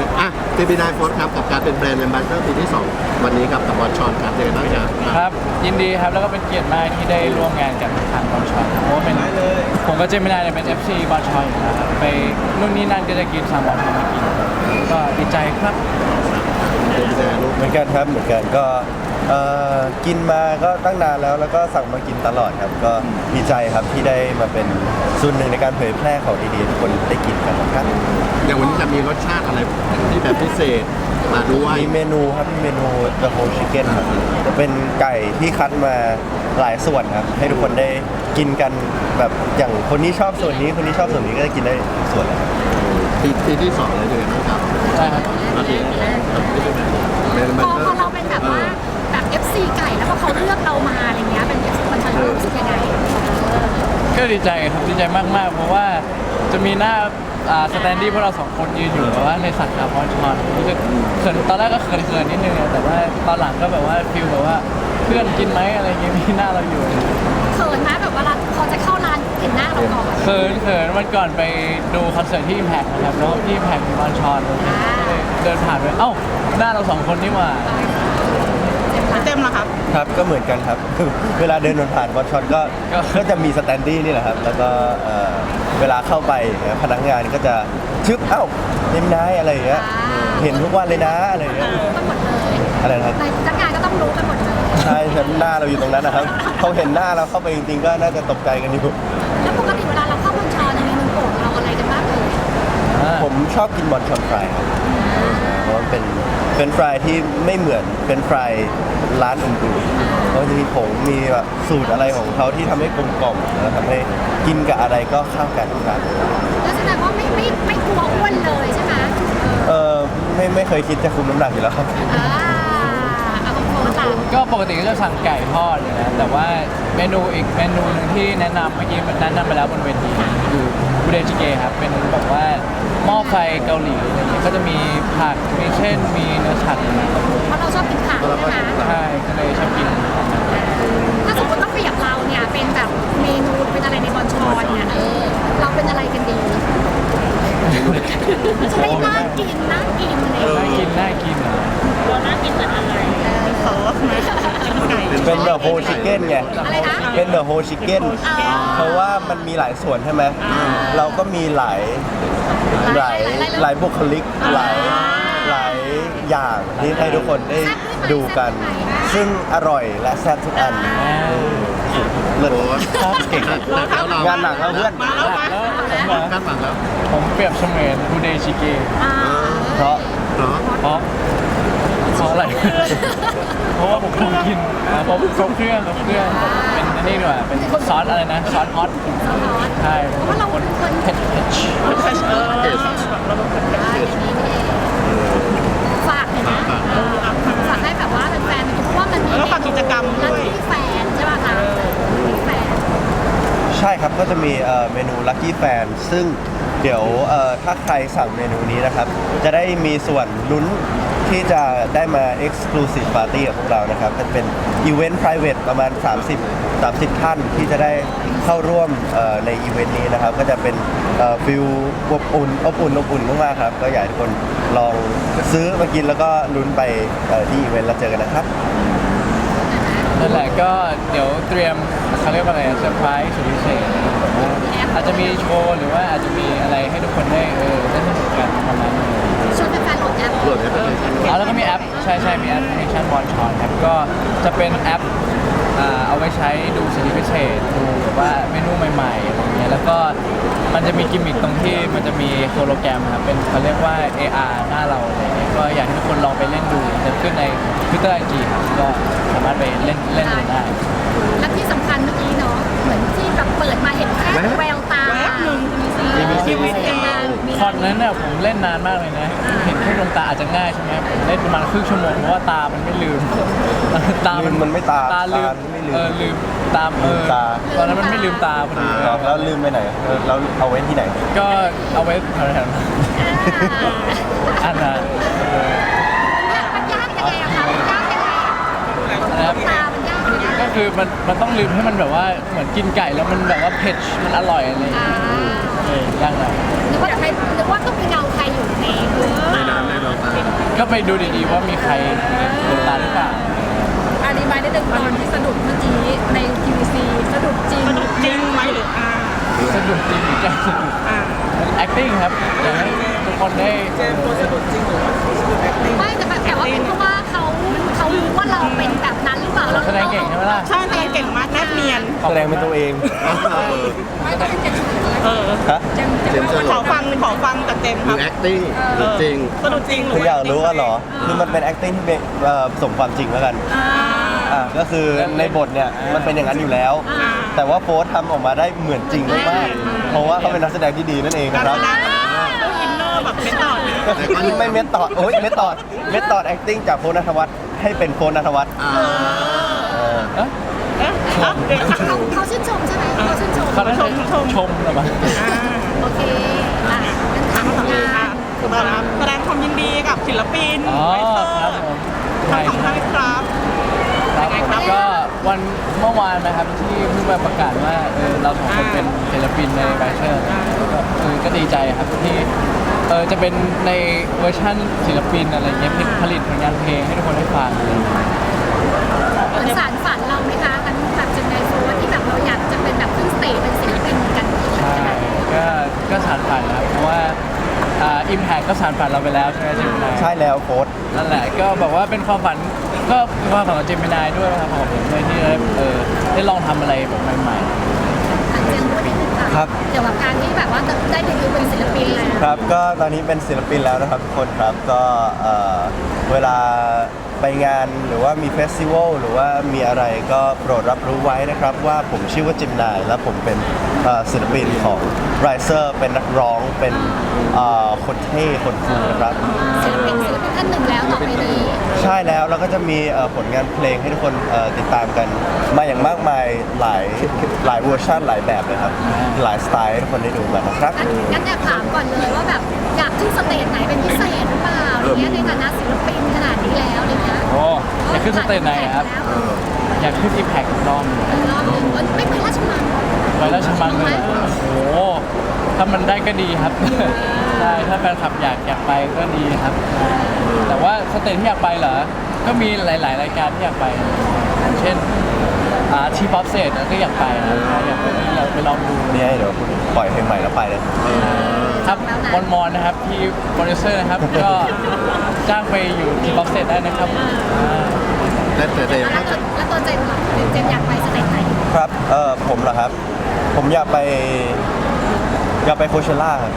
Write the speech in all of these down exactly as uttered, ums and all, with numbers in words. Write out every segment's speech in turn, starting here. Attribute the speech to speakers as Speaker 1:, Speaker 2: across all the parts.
Speaker 1: อ่ะเจมินายโฟร์ครับกับการเป็นแบรนด์แอมบาสเดอร์ปีที่สองวันนี้กับกับบอลชอนครับเจอบ้างครับ
Speaker 2: ครับยินดีครับแล้วก็เป็นเกียรติมากที่ได้ร่วมงานกับทางบอลชอยเพราะว่าเป็นผมก็เจมินายเนี่ยเป็น เอฟ ซี บอลชอยอยู่แล้วครับไปนู่นนี่นั่นก็จะกินสั่งบอลชอยมากินก็ดีใจครับ
Speaker 1: เจมินายลูก
Speaker 3: เหมือนกันครับเหมือนกันก็เอ่อกินมาก็ตั้งนานแล้วแล้วก็สั่งมากินตลอดครับก็ดีใจครับที่ได้มาเป็นส่วนหนึ่งในการเผยแพร่ของดีๆทุกคนได้กินกันนะครับ
Speaker 1: อย่างวันนี้จะมีรสชาติอะไรที่แบบพิเศษมาด้วย
Speaker 3: มีเมนูครับมีเมนู The Whole Chicken ครับจะเป็นไก่ที่คัดมาหลายส่วนครับให้ทุกคนได้กินกันแบบอย่างคนนี้ชอบส่วนนี้คนนี้ชอบส่วนนี้ก็จะกินได้ส่วนเลย
Speaker 1: ปีปีที่สองเลยเลยนะครับ
Speaker 2: ใช่ครับ
Speaker 1: อาทิตย์แบรนด์แอม
Speaker 4: พ
Speaker 1: บา
Speaker 4: อ
Speaker 1: สเดอ
Speaker 4: พอ
Speaker 1: ร์
Speaker 4: เราเป็นแบบว่าแบบ เอฟ ซี ไก่แล้วพอเขาเลือกเรามาอะไรเงี้ยเป็น เอฟ ซี คนชันรู้สึกยังไง
Speaker 2: ก็ดีใจครับดีใจมากๆเพราะว่าจะมีหน้าสแตนดี้พวกเราสองคนยืนอยู่แบบว่าในสัตว์บอลชอนรู้สึกเขินตอนแรกก็เขินๆนิดนึงแต่ว่าตอนหลังก็แบบว่าฟิลแบบว่าเพื่อนกินไหมอะไรเงี้ยมีหน้าเราอยู่
Speaker 4: เขินนะแบบเวลาพอจะเข้าร้านเห็นหน้าเราก่อน
Speaker 2: เขินเขินวันก่อนไปดูคอนเสิร์ตที่ Impact นะครับแล้วที่ Impact มีบอลชอนเดินผ่านไปเอ้าหน้าเราสองคนนี่หว่า
Speaker 4: เต็มละครับ
Speaker 3: ครับก็เหมือนกันครับ เวลาเดินผ่านบอลชอนก็ก็จะมีสแตนดี้นี่แหละครับแล้วก็เอ่อเวลาเข้าไปพนักงานก็จะชึบเอ้าเต็มนายอะไรอย่างเงี้ยเห็นทุกวันเลยนะอะไรอย่างเงี้ย
Speaker 4: รู้กันหมดเลย
Speaker 3: อะไรนะครับ
Speaker 4: ในพนักงานก็ต้องรู้กันหมดเลย
Speaker 3: ใช่ครับหน้าเราอยู่ตรงนั้นนะครับเขาเห็นหน้าเราเข้าไปจริงๆก็น่าจะตกใจกันอยู่
Speaker 4: แล้วปกติเวลาเราเข้าบนชอเนี่ยมีเมนูโปรดเราอะไรกันบ้างเลย
Speaker 3: ผมชอบกินบอลชอนฟรายครับเพราะมันเป็นเป็นฟรายที่ไม่เหมือนเป็นฟรายร้านอื่นๆเพราะจะมีผงมีแบบสูตรอะไรของเขาที่ทำให้กลมกล่อมแล้วทำให้กินกับอะไรก็เข้ากันครับ
Speaker 4: แล้วแสดงว่าไม่ไม่ไม่กลัวอ้วนเลยใช่ไหม
Speaker 3: เออไม่ไม่เคยคิดจะคุมน้ำหนักอยู่แล้วครับ
Speaker 4: อ่าเอาของโค้ชล่ะ
Speaker 2: ก็ปกติก็จะสั่งไก่ทอดอยู่นะแต่ว่าเมนูอีกเมนูหนึงที่แนะนำเมื่อกี้แนะนำไปแล้วบนเวทีคือบูเดจิเกะครับเป็นแบบว่าหม้อไฟเกาหลีอะไรอย่างเงี้ยก็จะมีผักมีเช่นมีเนื้อสัตว์
Speaker 4: เพราะเราชอบกินผักใช่ไหม
Speaker 2: ใช่ก็เลยชอบกิน
Speaker 4: ถ้าสมมติต้องเปรียบเราเนี่ยเป็นแบบเมนูเป็นอะไรในบอลชอนเนี่ยเออเราเป็นอะไรกันดีจะได้น่ากินน่ากินเลย
Speaker 2: น่ากินน่ากินอ่ะ
Speaker 4: เราน่ากินเหมือนอะไรเออขอไก่
Speaker 3: เป็นเดอะโฮชิเก้นไง
Speaker 4: อะไรนะ
Speaker 3: เป็นเดอะโฮชิเก้นเพราะว่ามันมีหลายส่วนใช่ไหมเราก็มีหลายหลายหลายบุคลิกหลายหลายอย่างที่ให้ทุกคนได้ดูกัน ซึ่งอร่อยและแซ่บทุกอันเลิศ
Speaker 1: โอ้ย
Speaker 3: เก่ง
Speaker 1: แล้วเรา
Speaker 3: งานหนักแล้วเพื่อน
Speaker 2: แล้วผมอะ
Speaker 1: คาดหวังแล้ว
Speaker 2: ผมเปรียบเสมือนบูเดจิเกะ
Speaker 4: อ่า
Speaker 3: เพราะ
Speaker 1: เนาะ
Speaker 2: เพราะเพราะอะไร เพราะว่าผมคงกินอ่ะเพราะครบเครื่องครบเครื่องเป็นอันนี่ด้วยเป็นซอสอะไรนะซอสฮอตใช่
Speaker 4: เพราะเราเป็นคน
Speaker 2: เผ็ดเผ็ด
Speaker 4: เออเราเป็นคนแบบนี้นี่เองฝากเลยนะฝากให้แบบว่าแฟนๆเพราะว่ามันมีแล้วก็ฝากกิจกรรมด้วยที่แฟนใช่ป่ะคะที่แฟน
Speaker 3: ใช่ครับก็จะมีเอ่อเมนู Lucky Fan ซึ่งเดี๋ยวเอ่อถ้าใครสั่งเมนูนี้นะครับ จะได้มีส่วนลุ้นที่จะได้มา Exclusive Party กับพวกเรานะครับมันเป็นอีเวนต์ private ประมาณ สามสิบ สามสิบ ท่านที่จะได้เข้าร่วมเอ่อในอีเวนต์นี้นะครับ ก็จะเป็นฟิลอบอุ่นอบอุ่นอบอุ่นมากๆครับ ก็อยากให้ทุกคนลองซื้อมากินแล้วก็ลุ้นไปเอ่อที่อีเวนต์แล้วเจอกันนะครับ
Speaker 2: นั่นแหละก็เดี๋ยวเตรียมเขาเรียกว่าอะไรเซอร์ไพรส์สุดพิเศษอาจจะมีโชว์หรือว่าอาจจะมีอะไรให้ทุกคนได้เออได้สนุกกันประมาณนี้
Speaker 4: ชวนแฟนๆโหลดแอป
Speaker 1: โหลดแอปพลิเคชัน
Speaker 2: อ๋อแล้วก็มีแอปใช่ใช่มีแอปพลิเคชันบอลชอนครับก็จะเป็นแอปอ่าเอาไว้ใช้ดูสิทธิพิเศษดูแบบว่าเมนูใหม่ๆอะไรเงี้ยแล้วก็มันจะมีกิมมิคตรงที่มันจะมีโฮโลแกรมครับเป็นเขาเรียกว่า เอ อาร์ หน้าเราอะไรเงี้ยก็อยากให้ทุกคนลองไปเล่นดูจะขึ้นใน Twitter ไอ จี ครับก็สามารถไปเล่นเล่นดูได้
Speaker 4: และที่สำคัญเมื่อกี้เนาะเหมือนที่แบบเปิดมาเห็นแค่แววตามีชีวิตจริง
Speaker 2: คอนนั้นเนี่ยผมเล่นนานมากเลยนะ เห็นแค่ดวงตาอาจจะง่ายใช่ไหมผมเล่นประมาณครึ่งชั่วโมงเพราะว่าตามันไม่ลืม ตา
Speaker 3: ลืมมันไม่ตา
Speaker 2: ตาลืม
Speaker 3: ตาไม่ลืม
Speaker 2: เออลืมตามเอ
Speaker 3: ลื
Speaker 2: อ
Speaker 3: มตา
Speaker 2: ตอนนั้นมันไม่ลืมตาพอดี
Speaker 3: ครับแล้วลืมไปไหนเออเราเอาไว้ที่ไหน
Speaker 2: ก็เอาไว้แถวๆนั้นอันนั้นเออ
Speaker 4: มันยากยังไงอะคะมันยากยังไงอะ
Speaker 2: นะครับ
Speaker 4: ตามันยากยังไง
Speaker 2: ก็คือมันมันต้องลืมให้มันแบบว่าเหมือนกินไก่แล้วมันแบบว่าเผ็ดมันอร่อยอะไรอย่าง
Speaker 4: อ่า
Speaker 2: เงี้ยเออยากหน่อย
Speaker 4: นึกว่าใครนึกว่าต้องมีเงาใครอยู่ในมือ
Speaker 1: ไม่นานแน่น
Speaker 2: ก็ไปดูดีๆว่ามีใครโดนตาหรือเปล่า
Speaker 4: อธิบายได้ดึงตอนที่สะดุดเมื่อกี้ใน ที วี ซี สะดุดจริง
Speaker 5: สนุกจริงไหมหรืออ่า
Speaker 2: สะดุดจริงหรือแกล้งสะดุด
Speaker 5: อ่า
Speaker 2: มัน acting ครับอยากให้ทุกคนได้
Speaker 4: ไม่แต่แบบแต่ว่าเป็นเพราะว่าเขาเขารู้ว่าเราเป็นแบบนั้นหรือเปล่าเรา
Speaker 2: แสดงเก่งใช่ไหมล่ะ
Speaker 5: ใช่แสดงเก่งมากแนบเนียน
Speaker 3: แสดงเป็นตัวเอง
Speaker 4: ไม่ต้องเป็นเจ็ดชุด
Speaker 5: เออ
Speaker 3: ฮะ
Speaker 4: เจมเจ
Speaker 1: เจม
Speaker 4: ม
Speaker 1: ส์ส
Speaker 5: ข
Speaker 1: รุ
Speaker 5: อ
Speaker 1: ป
Speaker 5: ฟังขอฟังจากเจมส์
Speaker 1: ห
Speaker 5: ค
Speaker 1: รื
Speaker 5: รับ
Speaker 1: อ acting หรือจริง
Speaker 5: สนุกจริงห
Speaker 3: คืออยากรู้ว่าเหรอ คือมันเป็น acting ที่เป็นเอ่อสมความจริงแล้วกัน
Speaker 5: อ่า
Speaker 3: อ่าก็คือในบทเนี่ยมันเป็นอย่างนั้นอยู่แล้ว
Speaker 5: อ่า
Speaker 3: แต่ว่าโฟร์ทำออกมาได้เหมือนจริงมากๆเพราะว่าเขาเป็นนักแสดงที่ดีนั่นเอง
Speaker 5: การ
Speaker 3: นะค
Speaker 5: แส
Speaker 3: รับ
Speaker 5: ดงต้องอินเนอร์แบบเป็นต่อด
Speaker 3: ไม่เมทตอดโอ้ยเมทตอดเมทตอด acting จากโฟร์ณัฐวัฒน์ให้เป็นโฟร์ณัฐวัฒน์
Speaker 1: อ่า
Speaker 3: เออ
Speaker 2: เอ๊ะ
Speaker 5: เอ๊ะครับเอ๊ะ
Speaker 4: เขาเขาชื่นชมใช่ไหมเขาชื่นชม
Speaker 2: เขาได้ชมชมหรือเปล่า
Speaker 5: อ่า
Speaker 4: โอเคอ่ะเป็น
Speaker 5: ถา
Speaker 4: ทาม ง
Speaker 5: คำถาม
Speaker 4: งา
Speaker 5: ค่ะ
Speaker 4: น
Speaker 5: ถูกต้องครับแสดงความยินดีกับศิลปิน
Speaker 2: อ๋อ
Speaker 5: ไวเซอ
Speaker 2: ครับ
Speaker 5: ร์
Speaker 2: ผม
Speaker 5: ทั้
Speaker 2: ใช่
Speaker 5: งสองท่านครับ
Speaker 2: ครับ
Speaker 5: ยังไงครับ
Speaker 2: ก็วันเมื่อวานนะครับที่เพิ่งมาประกาศว่าเออเราสองคนเป็นศิลปินในไบเชอร์ก็เออก็ดีใจครับที่เออจะเป็นในเวอร์ชั่นศิลปินอะไรเงี้ยผลิตผลิตผลงานเพลงให้ทุกคนได้ฟังอะไรอย่างเงี้ย
Speaker 4: มันสารฝันเราไหมคะกันแบบจังไดโฟร์ที่แบบเราอยากจะเป็นแบบขึ้นสเตจเป็นศิลปินเหมือนกัน
Speaker 2: ใช่ก็ก็สานฝันครับเพราะว่าอ่าอิมแพคก็สานฝันเราไปแล้วใช่ไหมจิมนาย
Speaker 3: ใช่แล้วโฟร์
Speaker 2: นั่นแหละก็บอกว่าเป็นความฝันก็เป็นความฝันของเจมินายด้วยนะครับของผมเลยที่ได้เออได้ลองทำอะไรแบบใหม่
Speaker 4: อาจจะพูดนิดนึงค่ะเกี่ยวกับการที่แบบว่าได้เดบิวต์เป็นศิลปินแล้ว
Speaker 3: ครับก็ตอนนี้เป็นศิลปินแล้วนะครับทุกคนครับก็เอ่อเวลาไปงานหรือว่ามีเฟสติวัลหรือว่ามีอะไรก็โปรดรับรู้ไว้นะครับว่าผมชื่อว่าจิมนายและผมเป็นเอ่อศิลปินของ Riser เป็นนักร้องเป็นเอ่อคนเท่คนคูลนะครับ
Speaker 4: ศิลปินศิลปินท่านหนึ่งแล้วต่อไปนี้
Speaker 3: ใช่แล้วแล้วก็จะมีเอ่อผลงานเพลงให้ทุกคนเอ่อติดตามกันมาอย่างมากมายหลายหลายเวอร์ชันหลายแบบเลยครับหลายสไตล์ให้ทุกคนได้ดูกันนะครับ
Speaker 4: งั้นงั้นอยากถามก่อนเลยว่าแบบอยากขึ้นสเตจไหนเป็นพิเศษหรือเปล่าอะไรเงี้ยในฐานะศิลปินขนาดนี้แล้วอะไรเงี้ย
Speaker 2: ๆโอ้อยากขึ้นสเตจไหนครับอยากขึ้นอิมแพครอบหนึ่ง
Speaker 4: รอบหนึ่งไม่ไปราชมัง
Speaker 2: ไปแล้วชมังเลยเหรอโอ้โหถ้ามันได้ก็ดีครับ ใช่ถ้าแฟนคลับอยากอยากไปก็ดีครับ แต่ว่าสเตจที่อยากไปเหรอ ก็มีหลาย ๆ รายการที่อยากไปอย่างเช่นอ่าทีป๊อปเซตก็อยากไปนะครับอยากไปอยากไปลองดู
Speaker 3: เนี่ยเดี๋ยวปล่อยเพลงใหม่แล้วไปเลย
Speaker 2: ครับมอนมอนนะครับที่โปรดิวเซอร์นะครับ ก็จ้างไปอยู่ทีป๊อปเซตได้นะครับอ่า
Speaker 1: แต่แต่แต่
Speaker 4: แล้ว
Speaker 1: ถ้า
Speaker 4: ตัว
Speaker 1: จะ
Speaker 4: แล้วตัวเจมส์ล่ะเจมส์อยากไปสเตจไหน
Speaker 3: ครับเอ่อผมเหรอครับ ผมอยากไปอยากไปโคเชล่าครับ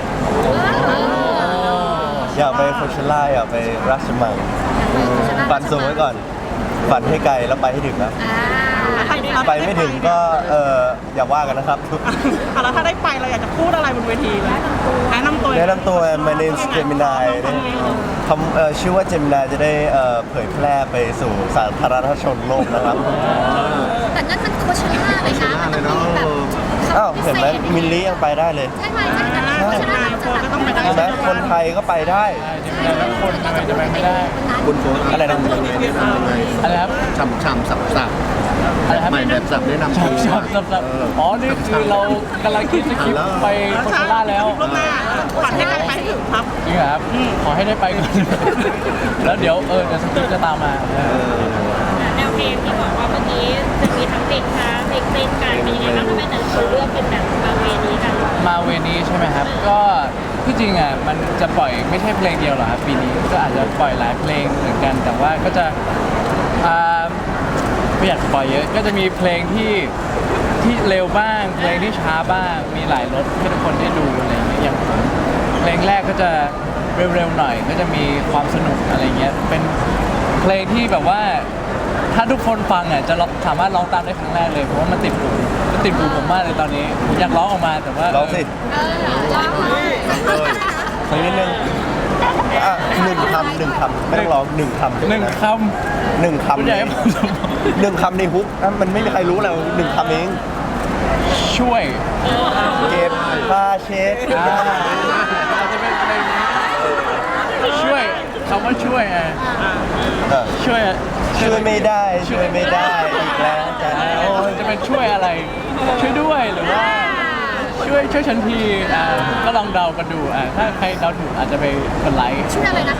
Speaker 3: อยากไปโคเชล่าอยากไปราชมังฝันสูงไว้ก่อนฝันให้ไกลแล้วไปให้ถึงนะ
Speaker 4: อ่า
Speaker 3: ไปไม่ถึงก็เอออย่าว่ากันนะครับ
Speaker 5: อ่ะแล้วถ้าได้ไปเราอยากจะพูดอะไรบนเวทีไหมแนะนำตัว
Speaker 3: แนะนำตัว my name is Gemini คำเอ่อชื่อว่า Gemini จะได้เอ่อเผยแพร่ไปสู่สาธารณชนโลกนะครับ
Speaker 4: แต่นั่นมันโคเชล่าเลยนะมันต้องมีแบบ
Speaker 3: อ้าวเห็นไหมมิลลี่ยังไปได้เลย
Speaker 4: ใช่ไหมใช่ไหมโคเชล่ามันจะแบบ
Speaker 3: เห็นไหมคนไทยก็ไปได้
Speaker 2: ใช่จะมีหลายคนทำไมจะไปไม่ได้
Speaker 1: คุณโค้ช
Speaker 3: อะไรนะ
Speaker 1: ทำยังไงแนะนำยังไง
Speaker 2: อะไรครับ
Speaker 1: ฉ่ำฉ่ำสับสับ
Speaker 2: อะไรครับ
Speaker 1: ใหม่แบบสับแนะนำ
Speaker 2: ช
Speaker 1: ตั
Speaker 2: อบ
Speaker 1: ว
Speaker 2: ชอบชอบชอบอ๋อ นี่คือเรากำลังคิดสคริปต์ไปโคชล่าแล้ว
Speaker 5: ล่วงหน้าฝันให้ใครไปให้ถึงครับ
Speaker 2: จริงเหรอครับ ขอให้ได้ไปก่อน แล้วเดี๋ยวเออเดี๋ยวสคริปต์จะตามมาเออ
Speaker 6: แนวเพลงที่บอกว่าเมื่อกี้จะมีทั้งเพลงช้าเพลงเต้นกันเป็นยังไงบ้างทำไมแต่ละคนเลือกเป็นแบบมาเวนี้กัน
Speaker 2: มาเวนี้ใช่ไหมครับ ก็ที่จริงอ่ะมันจะปล่อยไม่ใช่เพลงเดียวหรอกครับปีนี้ก็อาจจะปล่อยหลายเพลงเหมือนกัน แต่ว่าก็จะอ่าไม่อยากปล่อยเยอะ ก็จะมีเพลงที่ที่เร็วบ้าง เพลงที่ช้าบ้าง มีหลายรสให้ทุกคนได้ดูอะไรอย่างเงี้ยอย่างผมเพลงแรกก็จะเร็วๆหน่อย ก็จะมีความสนุกอะไรเงี้ยเป็นเพลงที่แบบว่า ถ้าทุกคนฟังอ่ะจะร้องสามารถร้องตามได้ครั้งแรกเลยเพราะว่ามันติดหูมันติดหูผมมากเลยตอนนี้ผมอยากร้องออกมาแต่ว่า
Speaker 3: ร้องสิ
Speaker 4: เออร้องเลย
Speaker 3: สักนิดนึงอ่ะหนึ่งคำหนึ่งคำไม่ต้องร้องหนึ่งคำ
Speaker 2: หนึ่งค
Speaker 3: หนึ่ง
Speaker 2: ำ
Speaker 3: คำ
Speaker 2: คุณอยากให้ผม
Speaker 3: หนึ่งคำในฮุกอ่ะมันไม่มีใครรู้แล้วหนึ่งคำเอง
Speaker 2: ช่วย
Speaker 3: เก็บผ้าเช็ด
Speaker 2: อ่าอาจจะเป็นเพลงนี้ช่วยคำว่าช่วยอ่ะ
Speaker 3: เออ
Speaker 2: ช่วยอ่ะ
Speaker 3: ช่วยไม่ได้ช่วยไม่ได้อีกแล้วจ้ะ
Speaker 2: โอ้ยจะเป็นช่วยอะไร ช่วยด้วยหรือว่า ช่วยช่วยฉันทีอ่าก็ลองเดากันดูอ่าถ้าใครเดาถูกอาจจะไปกดไลค์
Speaker 4: ชื่ออะไรนะคะ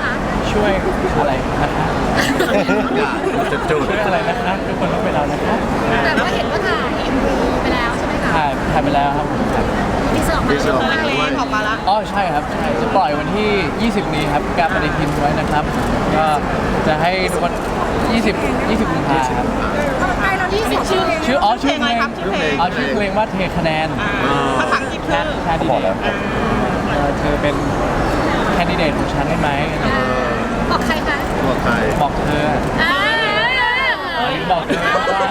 Speaker 2: ช่วยอะไรนะคะ
Speaker 1: อย่าจุดจุด
Speaker 2: ช่วยอะไรนะคะทุกคนต้องไปเรานะคะ
Speaker 4: แต่ว่าเห็นว่าถ่าย เอ็ม วี ไปแล้วใช่ไหมคะ
Speaker 2: ถ่ายถ่ายไปแล้วครับผมครับ
Speaker 4: มีเสื้อออกมา
Speaker 1: มีเสื้อออกมา
Speaker 5: เล็กๆออกมาละ
Speaker 2: อ๋อใช่ครับใช่จะปล่อยวันที่ ยี่สิบ นี้ครับการปฏิทินไว้นะครับ ก็จะให้ทุกคน20 20กุมภาครับ
Speaker 4: ใครเราที่สุดชื่อ
Speaker 2: ชื่ออ๋อ
Speaker 5: ชื่
Speaker 2: ชื่
Speaker 5: อ
Speaker 2: อ
Speaker 5: เพ
Speaker 2: เพ
Speaker 5: ล
Speaker 2: ล
Speaker 5: ง
Speaker 2: ง
Speaker 5: ครับชื่อเพลง
Speaker 2: อ๋อชื่อเพลงว่าเทคะแนน
Speaker 5: อ่าภาษาอังกฤษ
Speaker 2: แค่
Speaker 5: คือ
Speaker 2: แค่ดี
Speaker 3: บ
Speaker 2: เด
Speaker 3: อกแล้ว
Speaker 2: ตเธอเป็นแคนดิเดตของฉันได้ไหม
Speaker 4: บอกใครคะ
Speaker 1: บอกใคร
Speaker 2: บอกเธอ
Speaker 4: อ่า
Speaker 2: บอกเธอว่า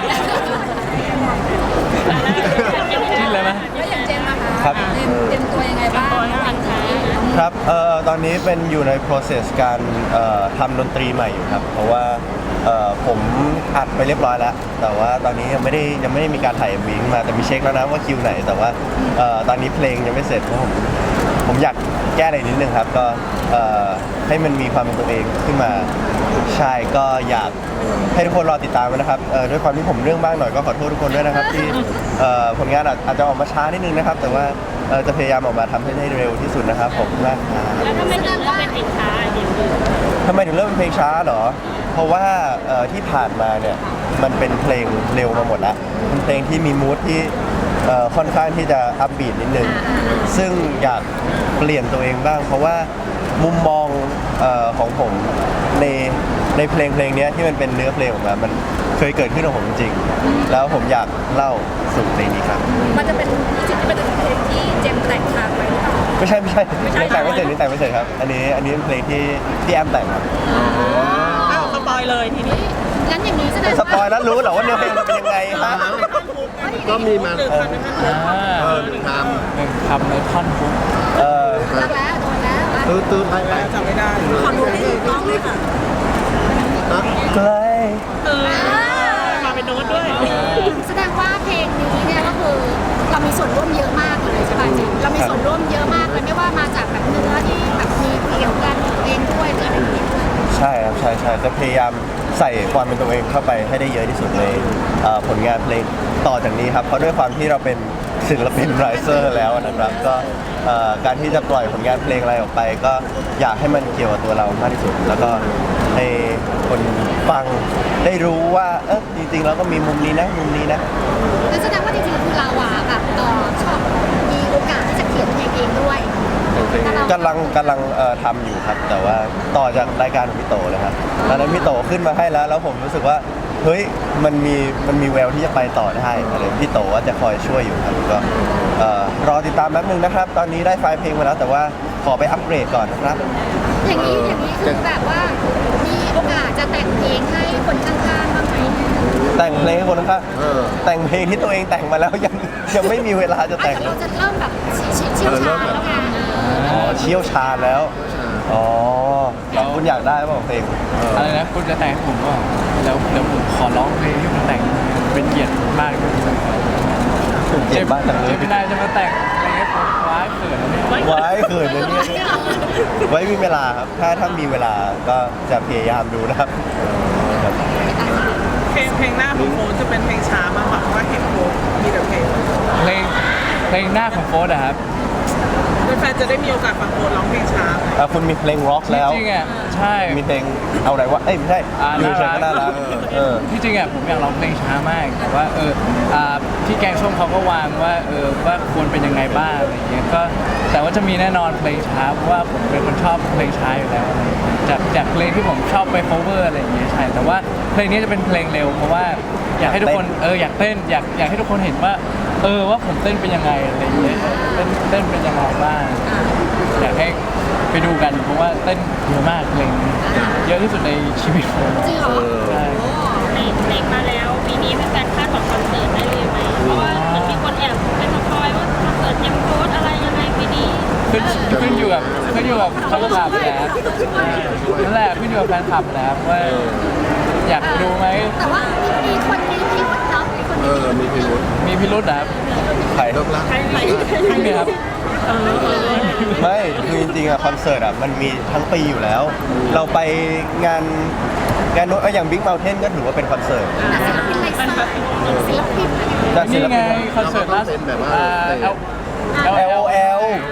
Speaker 2: จิ้นเลยไหม
Speaker 4: แล้วอย่างเจมส์อะคะ
Speaker 3: ครับ
Speaker 4: เตรียมเตรียมตัวยังไงบ้างหลังจากนี้
Speaker 3: ครับเอ่อตอนนี้เป็นอยู่ใน process การเอ่อทำดนตรีใหม่อยู่ครับ เพราะว่าเอ่อผมอัดไปเรียบร้อยแล้ว แต่ว่าตอนนี้ยังไม่ได้ยังไม่ได้มีการถ่าย เอ็ม วี ขึ้นมาแต่มีเช็คแล้วนะว่าคิวไหน แต่ว่าเอ่อตอนนี้เพลงยังไม่เสร็จเพราะผมผมอยากแก้อะไรนิดนึงครับ ก็เอ่อให้มันมีความเป็นตัวเองขึ้นมาใช่ก็อยากให้ทุกคนรอติดตามไว้นะครับเอ่อด้วยความที่ผมเรื่องบ้างหน่อยก็ขอโทษทุกคนด้วยนะครับที่เอ่อผลงานอาจอาจจะออกมาช้านิดนึงนะครับ แต่ว่าเอ่อจะพยายามออกมาทำให้ได้เร็วที่สุดนะครับผมมากครับ
Speaker 6: แล้วทำไมถึงเลือกเป็นสินค้าเดี๋ยวดู
Speaker 3: ทำไมถึงเริ่มเป็นเพลงช้าเหรอ เพราะว่าเอ่อที่ผ่านมาเนี่ยมันเป็นเพลงเร็วมาหมดแล้วเป็นเพลงที่มีมูทที่เอ่อค่อนข้างที่จะอัพบีทนิดนึง ซึ่งอยากเปลี่ยนตัวเองบ้าง เพราะว่ามุมมองเอ่อของผมในในเพลงเพลงเนี้ยที่มันเป็นเนื้อเพลงออกมา มันเคยเกิดขึ้นกับผมจริงๆแล้วผมอยากเล่าสู่เพลงนี้ครับ
Speaker 4: มันจะเป็นจริงๆเป็นเพลงที่เจมส์แต่งทางไว้หรือเปล่า
Speaker 3: ไม่ใช่ไม่ใช่นี่แต่งไม่เสร็จนี่แต่งไม่เสร็จครับ อันนี้อันนี้เป็นเพลงที่ที่แอมแต่งครับ
Speaker 5: อ้าวสปอยเลยทีนี้
Speaker 4: งั้นอย่างนี้แสดง
Speaker 3: ส
Speaker 4: ว่า
Speaker 3: ปอยแล้วรู้เหรอว่าเนื้อเพลงมันเป็นยังไงฮะ
Speaker 1: ก็มีมา
Speaker 5: หรือคันนั้น
Speaker 2: อ่า
Speaker 1: เออหนึ่งค
Speaker 2: หนึ่งคำในท่อนฮุก
Speaker 3: เออ
Speaker 4: รักแล้วโดนแล้วอ่ะ
Speaker 1: ำตื้อตื้อไปไป
Speaker 5: จำไม่ได้
Speaker 4: ขอดูที่กล้องเลยค่ะ
Speaker 3: ใกล้
Speaker 5: เออมาเป็นโน้ตด้วย
Speaker 4: แสดงว่าเพลงนี้เนี่ยก็คือเรามีส่วนร่วมเยอะมากเลยใช่ป่ะเจมส์เรามีส่วนร่วมเยอะมากเลยไม่ว่ามาจากแบบเนื้อที่แบบมีเกี่ยวกันเองด้วยหรืออะไรอย่างเงี้ย
Speaker 3: ใช่ครับใช่ใช่จะพยายามใส่ความเป็นตัวเองเข้าไปให้ได้เยอะที่สุดในเอ่อผลงานเพลงต่อจากนี้ครับเพราะด้วยความที่เราเป็นศิลปินไรเซอร์แล้วนะครับก็เอ่อการที่จะปล่อยผลงานเพลงอะไรออกไป ก็อยากให้มันเกี่ยวกับตัวเรามากที่สุด แล้วก็ให้คนฟังได้รู้ว่าเออจริงๆเราก็มีมุมนี้นะมุมนี้นะ
Speaker 4: นั่นแสดงว่าจริงๆคือเราอะแบบเอ่อชอบมีโอกาสที่จะเขียนเพลงเองด้วยแต่เรา
Speaker 3: กำลังกำลังเอ่อทำอยู่ครับ แต่ว่าต่อจากรายการของพี่โตเลยครับตอนนั้นพี่โตขึ้นมาให้แล้ว แล้วผมรู้สึกว่าเฮ้ยมันมีมันมีแววที่จะไปต่อได้อะไรพี่โตว่าจะคอยช่วยอยู่ครับก็เอ่อรอติดตามแป๊บนึงนะครับ ตอนนี้ได้ไฟล์เพลงมาแล้ว แต่ว่าขอไปอัปเกรดก่อนนะครับ
Speaker 4: อย่างนี้อย่างนี้คือแบบว่ามีโอกาสจะแต่งเพลงให้คนข้างๆบ้างไหม
Speaker 3: แต่งเพลงให้คนข้าง
Speaker 1: เออ
Speaker 3: แต่งเพลงที่ตัวเองแต่งมาแล้วยังยังไม่มีเวลาจะ
Speaker 4: อาจ
Speaker 3: แต่ง
Speaker 4: จะเราจะเริ่มแบบเชี่ยวชาญแล้วไง
Speaker 3: อ๋อเชี่ยวชาญแล้วอ๋อคุณอยากได้เปล่าเพลง
Speaker 2: อะไรนะคุณจะแต่งให้ผมก็แล้วเดี๋ยวผมขอร้องเพลงที่ผมแต่งเป็นเกียรติมากเลย
Speaker 3: เจ็บบ้างจังเลย
Speaker 2: เจมินายจะมาแต่งอะไรให้ผมว้ายเขินนะเนี่ย
Speaker 3: ไว้เขินเลยเนี่ยไว้มีเวลาครับ ถ้าถ้ามีเวลาก็จะพยายามดูนะครับครับ
Speaker 5: เพลงเพลงหน้าของโฟนจะเป็นเพลงช้ามากกว่าเพราะว่าเห็นโฟนมีแต่เพลง
Speaker 2: เพลงเพลงหน้าของโฟร์อะครับ
Speaker 5: แฟนๆจะได้มีโอกาสฟังโฟนร้องเพลงช้า
Speaker 3: อ่ะคุณมีเพลงร็อกแล้ว
Speaker 2: จริงๆอ่ะใช่
Speaker 3: มีเพลงเอาไหนวะเอ้ยไม่ใช่
Speaker 2: อ่า
Speaker 3: อยู่เฉยๆก็น่ารักเออ
Speaker 2: ที่จริงอ่ะผมอยากร้องเพลงช้ามากแต่ว่าเอออ่าพี่แกงส้มเขาก็วางว่าเออว่าควรเป็นยังไงบ้างอะไรอย่างเงี้ยก็แต่ว่าจะมีแน่นอนเพลงช้าเพราะว่าผมเป็นคนชอบเพลงช้าอยู่แล้วอะไรอย่างเงี้ยจากจากเพลงที่ผมชอบไป cover อะไรอย่างเงี้ยใช่แต่ว่าเพลงนี้จะเป็นเพลงเร็วเพราะว่าอยากให้ทุกคนเอออยากเต้นอยากอยากให้ทุกคนเห็นว่าเออว่าผมเต้นเป็นยังไงอะไรอย่างเงี้ยเต้นเต้นเป็นยังไงบ้างอยากให้ไปดูกันเพราะว่าเต้นเยอะมากเพลงนี้เยอะที่สุดในชีวิตผม
Speaker 4: จริงเหรอ
Speaker 2: ใช่
Speaker 6: เพลงเพลงมาแล้วปีนี้เป็นการคาดหวังคอนเสิร์ตได้เลยไหมเพราะว่ามันมีคนแอบเป็นสปอยว่าคอนเสิร์ตเจมส์โค้ดอะไรยังไงปีนี้
Speaker 2: ขึ้นขึ้นอยู่กับขึ้นอยู่กับแฟนคลับแล้วนั่นแหละขึ้นอยู่กับแฟนคลับแล้วว่าอยากดูไหม
Speaker 4: แต่ว่ามีคนมีพิรุธเนาะมีคน
Speaker 1: เอ
Speaker 4: มี
Speaker 1: อ มีพิรุธ
Speaker 2: มีพิรุธนะครับ
Speaker 3: ใคร
Speaker 1: เลิกละ
Speaker 6: ใครใคร
Speaker 2: จริงไหมครับ
Speaker 3: ไม่คือจริงๆอะคอนเสิร์ตอะมันมีทั้งปีอยู่แล้ว เราไปงานงานโน้ตอย่าง Big Mountain ก็ถือว่าเป็นคอนเสิร์ต
Speaker 4: แต่ศิลปินไลฟ์สไตล์ศิลปินอะไรอย่างเงี้ย
Speaker 3: จากศิ
Speaker 2: นี่
Speaker 3: ล
Speaker 2: ไง
Speaker 3: ปิน
Speaker 2: คอนเสิร์ตล่าสุดอ่า L
Speaker 3: L O L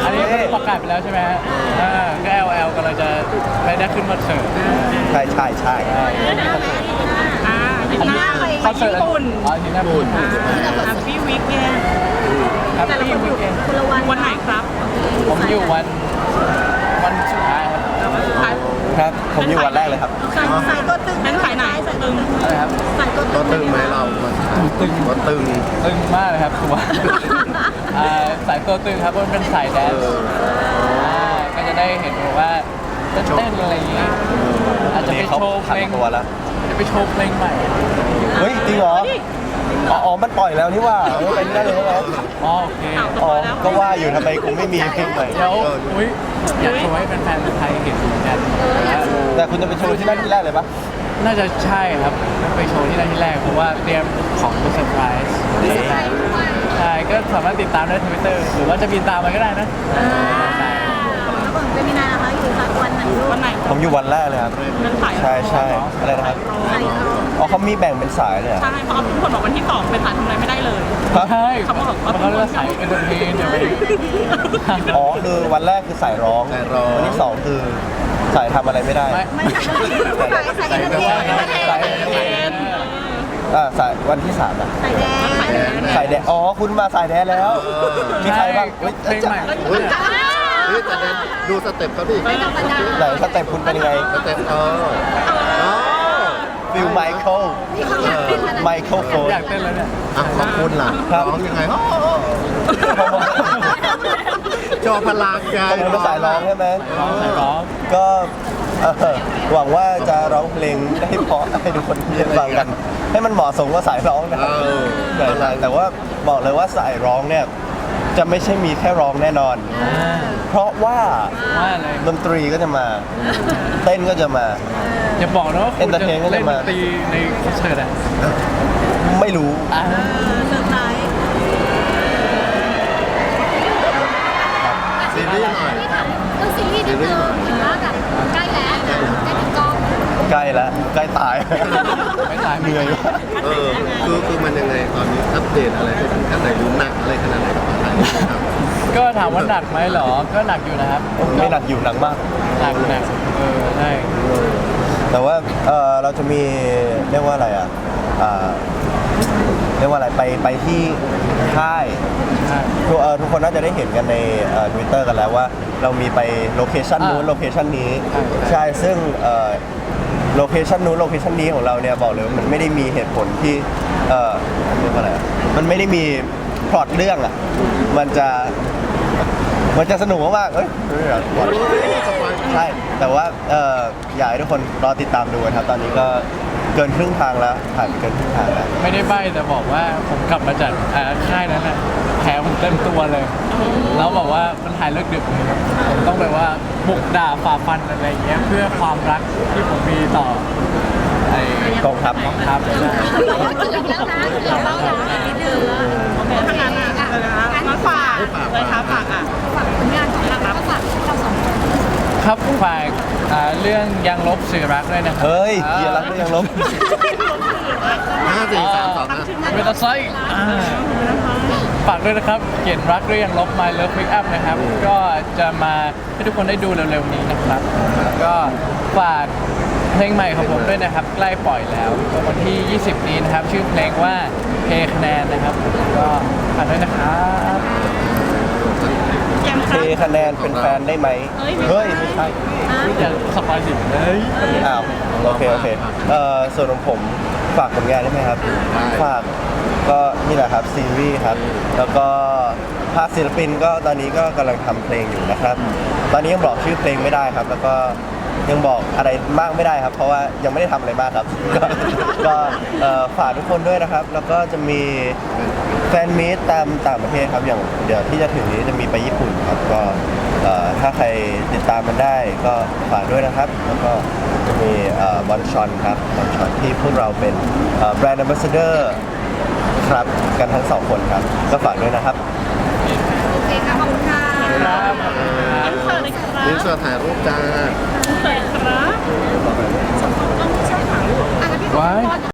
Speaker 2: อันนี้ประกาศไปแล้วใช่ไหมฮะอ่าก็ แอล แอล กำลังจะไม่ได้ขึ้นคอนเสิร์ต
Speaker 3: ใช่ใช่ใช่
Speaker 5: อ่าที่หน้าไป
Speaker 2: คอนเสิร์ต
Speaker 5: ญี่ปุ่น
Speaker 2: อ๋อที่ญี่ปุ่น
Speaker 5: แฮปปี้วีคเอน
Speaker 2: ครับที่วีคเอนด์
Speaker 4: คนละวัน
Speaker 5: วันไหนครับ
Speaker 2: ผมอยู่วันวันสุดท้ายครับ
Speaker 5: วันสุดท้าย
Speaker 3: ครับผมอยู่วันแรกเลยครับ
Speaker 4: ใส่ใส่ตัวตึง
Speaker 5: เป็นสายไหนตึง
Speaker 2: อะไรครับ
Speaker 4: ใส่ตัว
Speaker 1: ตัว
Speaker 4: ตึ
Speaker 1: ตึ
Speaker 4: ง
Speaker 1: งไหมเราตึงตัวตึง
Speaker 2: ตึงมากเลยครับตัว อ่าสายตัวตึงครับเพราะมันเป็นสายแดนซ์อ่าก็จะได้เห็นแบบว่าเต้นๆอะไรอย่างงี้อาจจะไป
Speaker 3: นี่เขา
Speaker 2: โชว์เพ
Speaker 3: ผัน
Speaker 2: ลง
Speaker 3: ตัวแล้ว
Speaker 2: จะไปโชว์เพลงใหม่
Speaker 3: เฮ้ยจริงเหรออ๋ออ๋อมันปล่อยแล้วนี่ว่าเออไปนี่ได้เลยเหรอ
Speaker 2: อ๋อโอเค
Speaker 3: อ๋อก็ว่าอยู่ทำไมกูไม่มีเพลงใหม่
Speaker 2: เดี๋ยวอุ้ยอยากโชว์ให้แฟนๆไทยเห็นเหมือนกัน
Speaker 3: แต่คุณจะไปโชว์ที่นั่นที่แรกเลยปะ
Speaker 2: น่าจะใช่ครับไปโชว์ที่นั่นที่แรกเพราะว่าเตรียมของเป็นเซอร์ไพรส์
Speaker 4: ใส่ด้วย
Speaker 2: ใช่ก็สามารถติดตามได้ทวิตเตอร์หรือว่าจะบินตามไปก็ได้นะ
Speaker 4: แล้วผมเป็นมินานะคะอยู่สักวันไหนลูก
Speaker 5: วันไหน
Speaker 3: ผมอยู่วันแรกเลยครับ
Speaker 5: เป็นสาย
Speaker 3: ใช่ใช่อะไรนะครับ
Speaker 4: ใส่รอง
Speaker 3: อ๋อเขามีแบ่งเป็นสายเลยเหรอ
Speaker 5: ใช่เพราะทุกคนบอกวันที่สองเป็นสายทำอะไรไม่ได้เลย
Speaker 2: ใช่
Speaker 5: เขาบอกว่า
Speaker 2: เขาเรียกว่าสายเอนเตอร์เทนเดี๋ยวไป
Speaker 3: อ๋อคือวันแรกคือสายร้อง
Speaker 1: สายร้อง
Speaker 3: วันที่สองคือสายทำอะไรไม่ได้
Speaker 2: ไม่
Speaker 4: ไม่ใช่ใส่ใส่
Speaker 2: สาย
Speaker 4: เอ็น
Speaker 2: แบ
Speaker 4: เตอบ ร์
Speaker 2: ว่า
Speaker 4: เทน
Speaker 2: สายเอนเตอร์เทน
Speaker 3: อ่าสายวันที่สามอะ
Speaker 4: ใส่แดงใส่แดง
Speaker 3: สายแดนอ๋อคุณมาสายแดนแล้ว มีใครบ้าง
Speaker 2: เพลงใหม่
Speaker 1: เฮ้ยเฮ้ยแต่เดี๋ยวดูสเต็ปเขาดิ
Speaker 4: ไม่ธรรมดา
Speaker 3: ไหนสเต็ปคุณเป็นยังไง
Speaker 1: สเต็ปเอออ๋อ
Speaker 3: ฟิลไมเคิล
Speaker 4: นี่เขาอยากเป็นขนาด
Speaker 3: ไมเคิลโฟน
Speaker 2: อยากเต้นแล้วเนี่ย
Speaker 1: อ่ะขอบคุณล่ะ
Speaker 3: ครับ
Speaker 1: ร้องยังไงโอ้โหจอพลังกาย
Speaker 3: ผมเป็นสายร้องใช่ไหม
Speaker 2: ร้องสายร้อง
Speaker 3: ก็เอ่อหวังว่าจะร้องเพลงได้เพราะให้ทุกคนได้ฟังกัน ให้มันเหมาะสมกับสายร้องนะครับ
Speaker 1: เออ
Speaker 3: ใช่ใช่แต่ว่าบอกเลยว่าสายร้องเนี่ยจะไม่ใช่มีแค่ร้องแน่นอน เพราะว่า
Speaker 2: ว่าอะไร
Speaker 3: ดนตรีก็จะมา เต้นก็จะมา
Speaker 2: อย่าบอกนะว่าคุณจะ
Speaker 3: Entertain ก็จะ
Speaker 2: เล่นด
Speaker 3: มา
Speaker 2: นตรีในคอนเสิร์ตอ่ะ
Speaker 3: ไม่รู้
Speaker 2: อ่า
Speaker 4: เซอร์ไพรส์
Speaker 1: ซีรีส์หน่อย
Speaker 4: เรื่องซีรีส์นิดนึงเห็นว่าแบบใกล้แล้วใกล้ถึงกอง
Speaker 3: ใกล้แล้วใกล้ตาย
Speaker 2: ไม่ตาย
Speaker 3: เหนื่อยมาก
Speaker 1: เออคือคือมันยังไงตอนนี้อัปเดตอะไรไปถึงขั้นไหนรู้หนักอะไรขนาดไหนกับอะไรครับ
Speaker 2: ก็ถามว่าหนักไหมเหรอ ก็หนักอยู่นะครับ
Speaker 3: ไม่หนักอยู่หนักมาก
Speaker 2: หนักหนักเออใช่
Speaker 3: แต่ว่าเออเราจะมีเรียกว่าอะไรอ่ะอ่าเรียกว่าอะไรไปไปที่ค่าย
Speaker 2: ใช่
Speaker 3: ทุกเอ่อทุกคนน่าจะได้เห็นกันในทวิตเตอร์กันแล้วว่าเรามีไปโลเคชันนู้น
Speaker 2: อ่า
Speaker 3: โลเคชันนี้
Speaker 2: ใช่
Speaker 3: ใช่ซึ่งโลเคชันนู้นโลเคชันนี้ของเราเนี่ยบอกเลยว่ามันไม่ได้มีเหตุผลที่เอ่อเรียกว่าอะไรอะมันไม่ได้มีพล็อตเรื่องอ่ะมันจะมันจะสนุกมากๆเอ้ยไม่อยากบอก ใช่ แต่ว่าเอ่ออยากให้ทุกคนรอติดตามดูกันครับ ตอนนี้ก็เกินครึ่งทางแล้วผ่านเกินครึ่งทางแล้ว
Speaker 2: ไม่ได้ใบ้แต่บอกว่าผมกลับมาจากอ่าค่ายนั้นน่ะแผลผมเต็มตัวเลย แล้วบอกว่ามันถ่ายเลิกดึกเลยครับผมต้องแบบว่าบุกด่าฝ่าฟันอะไรอย่างเงี้ยเพื่อความรักที่ผมมีต่อไอ้
Speaker 3: กองทัพ
Speaker 2: กองทัพเลยนะ
Speaker 4: เกือบแล้วนะเกือบแล้วนะนิดนึง
Speaker 5: โอเคถ้างั้นอ่ะเดี๋ยวนะคะงั้นฝากเลยครับฝากอ่ะ
Speaker 4: ฝากผลงานของเราแล้วก็ฝากเราสองคน
Speaker 2: ครับฝากอ่าเรื่องยังลบสื่อรักด้วยนะครั
Speaker 3: เฮ้ยเยียรักก็ยังลบ
Speaker 1: ห้าสี่สามสองนะ
Speaker 2: เวลาไซต์อ่าฝากด้วยนะครับเขียนรักด้วยยังลบ My Love Pick Up นะครับ ก็จะมาให้ทุกคนได้ดูเร็วๆนี้นะครับ ก็ฝากเพลงใหม่ของผมด้วยนะครับ ใกล้ปล่อยแล้วก็วันที่ ยี่สิบ นี้นะครับ ชื่อเพลงว่าเพคะแนนนะครับ ก็ฝากด้วยนะครับ
Speaker 5: แจมค
Speaker 3: เท
Speaker 5: รับ
Speaker 3: คะแนนเป็นแฟนได้ไหม เฮ้ย ไม่ใช่
Speaker 2: อย่าสปอยสิเลย
Speaker 3: อ้าว โอเค โอเคเอ่อส่วนของผมฝากผลงานได้ไหมครับ ฝากก็นี่แหละครับซีรีส์ครับ แล้วก็ภาคศิลปินก็ตอนนี้ก็กำลังทำเพลงอยู่นะครับ ตอนนี้ยังบอกชื่อเพลงไม่ได้ครับ แล้วก็ยังบอกอะไรมากไม่ได้ครับ เพราะว่ายังไม่ได้ทำอะไรมากครับ ก็ก็เอ่อฝากทุกคนด้วยนะครับ แล้วก็จะมีแฟนมีตตามต่างประเทศครับ อย่างเดี๋ยวที่จะถึงนี้จะมีไปญี่ปุ่นครับ ก็เอ่อถ้าใครติดตามมันได้ก็ฝากด้วยนะครับ แล้วก็จะมีบอลชอนครับบอลชอนที่พวกเราเป็นแบรนด์ a m b a s s a d o r ครับกันทั้งสองคนครับ ก็ฝากด้วยนะครับ
Speaker 4: โอเคค่ะขอบคุณค่ะ
Speaker 2: ครับ
Speaker 5: อินเสิร์ตเลยครับ
Speaker 1: อินเสิร์ตถ่ายรูปจ้า
Speaker 5: อินเสิร์ตครับ
Speaker 4: อ่ะพี่ขอ
Speaker 2: ไว้
Speaker 4: พร